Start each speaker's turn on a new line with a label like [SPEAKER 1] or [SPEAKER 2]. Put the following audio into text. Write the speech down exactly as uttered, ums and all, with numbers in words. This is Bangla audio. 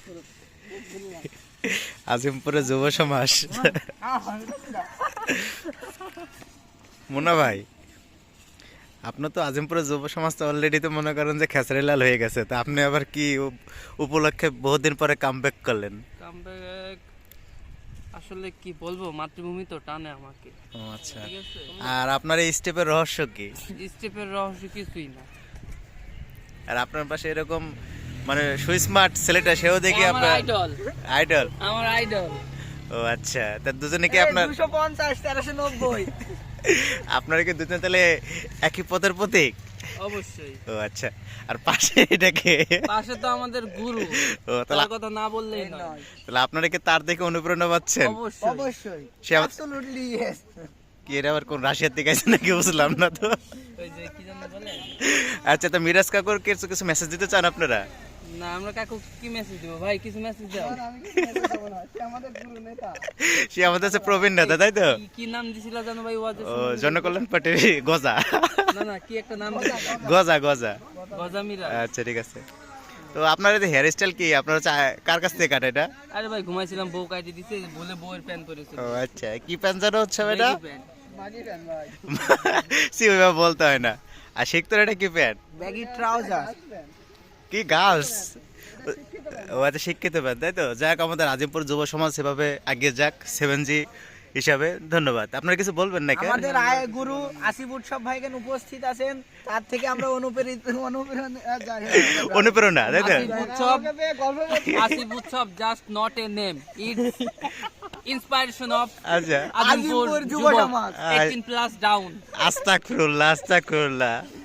[SPEAKER 1] আজিমপুরে যুব সমাজ। মুন্না ভাই, আপনার তো আজিমপুরে যুব সমাজ তো অলরেডি তো মনে করেন যে খেসারি লাল হয়ে গেছে, তো আপনি আবার কি উপ- উপলক্ষে বহুদিন পরে কামব্যাক করলেন?
[SPEAKER 2] কামব্যাক আসলে কি বলবো, মাতৃভূমি তো টানে আমাকে।
[SPEAKER 1] ও আচ্ছা।
[SPEAKER 2] ঠিক আছে,
[SPEAKER 1] আর আপনার এই স্টেপের রহস্য কি?
[SPEAKER 2] স্টেপের রহস্য কিছুই না।
[SPEAKER 1] আর আপনার পাশে এরকম মানে সুই স্মার্ট ছেলেটা, সেও দেখি
[SPEAKER 2] আমার
[SPEAKER 1] আপনার
[SPEAKER 2] আইডল,
[SPEAKER 1] আইডল।
[SPEAKER 2] আমার আইডল।
[SPEAKER 1] ও আচ্ছা, তা দুজনে কি আপনার
[SPEAKER 3] দুশো পঞ্চাশ তেরোশো নব্বই
[SPEAKER 1] আপনারা কি দুজনে তাহলে একই পথের প্রতীক?
[SPEAKER 2] অবশ্যই।
[SPEAKER 1] ও আচ্ছা। আর পাশে এটাকে,
[SPEAKER 2] পাশে তো আমাদের গুরু,
[SPEAKER 1] ও তাহলে
[SPEAKER 2] তার কথা না বললেই নয়।
[SPEAKER 1] তাহলে আপনারা কি তার দেখে অনুপ্রেরণা পাচ্ছেন?
[SPEAKER 2] অবশ্যই
[SPEAKER 3] অবশ্যই
[SPEAKER 1] সে আবার-
[SPEAKER 3] অ্যাবসলিউটলি ইয়েস।
[SPEAKER 1] কি এর আবার কোন রাশিয়ার থেকে আছে নাকি বুঝলাম না তো।
[SPEAKER 2] ওই যে কি জানো বলে
[SPEAKER 1] আচ্ছা, তো মিরাজ কাকুর কিছু কিছু মেসেজ দিতে চান আপনারা?
[SPEAKER 2] না, আমরা কাকু কি মেসেজ দেবো ভাই? কিছু মেসেজ দাও।
[SPEAKER 3] আমি কি মেসেজ দেবো না, সে আমাদের গুরু নেতা।
[SPEAKER 1] সে আমাদের কাছে প্রবীণ নেতা, তাই তো?
[SPEAKER 2] কি- কি নাম দিছিল জানো ভাই? ওয়াজে
[SPEAKER 1] ও জনকল্যাণ পার্টির গজা।
[SPEAKER 2] না না, কি একটা নাম দিছিল,
[SPEAKER 1] গজা গজা।
[SPEAKER 2] গজামিরা।
[SPEAKER 1] আচ্ছা ঠিক আছে। তো আপনার এই হেয়ার স্টাইল কি আপনার হচ্ছে আ- কার কাছ থেকে কাটে এটা?
[SPEAKER 2] আরে ভাই ঘুমাইছিলাম, বউ কাটি দিছে বলে বউয়ের প্যান্ট পরেছিল।
[SPEAKER 1] ও আচ্ছা, কি প্যান্ট জানো হচ্ছে এটা?
[SPEAKER 2] Baggy pant।
[SPEAKER 3] মাগি ফ্যান ভাই,
[SPEAKER 1] সি ওইভাবে বলতে হয় না। আর শিখতো এটা কি প্যান্ট?
[SPEAKER 3] Baggy trouser.
[SPEAKER 1] কি গার্লস? ও আচ্ছা, শিক্ষিত প্যান্ট, তাই তো? যাক, আমাদের আজিমপুর যুব সমাজ সেভাবে আগিয়ে যাক সেভেন জি হিসাবে। ধন্যবাদ। আপনারা কিছু বলবেন নাকি?
[SPEAKER 3] আমাদের আয় গুরু আসিফ উৎসব ভাইখান উপস্থিত আছেন, তার থেকে আমরা অনুপ্রেরিত অনুপ্রেরণা যাই হোক।
[SPEAKER 1] অনুপ্রেরণা, তাই তো?
[SPEAKER 2] আসিফ উৎসব,
[SPEAKER 3] আমাকে পেয়ে গর্ব করছি।
[SPEAKER 2] Asif Utsab just not a name, it's inspiration of
[SPEAKER 1] আচ্ছা,
[SPEAKER 2] আজিমপুর
[SPEAKER 3] আজিমপুর যুব
[SPEAKER 2] যুবক
[SPEAKER 3] সমাজ।
[SPEAKER 2] Eighteen plus down.
[SPEAKER 1] আস্তাগফিরুল্লাহ আস্তাগফিরুল্লাহ।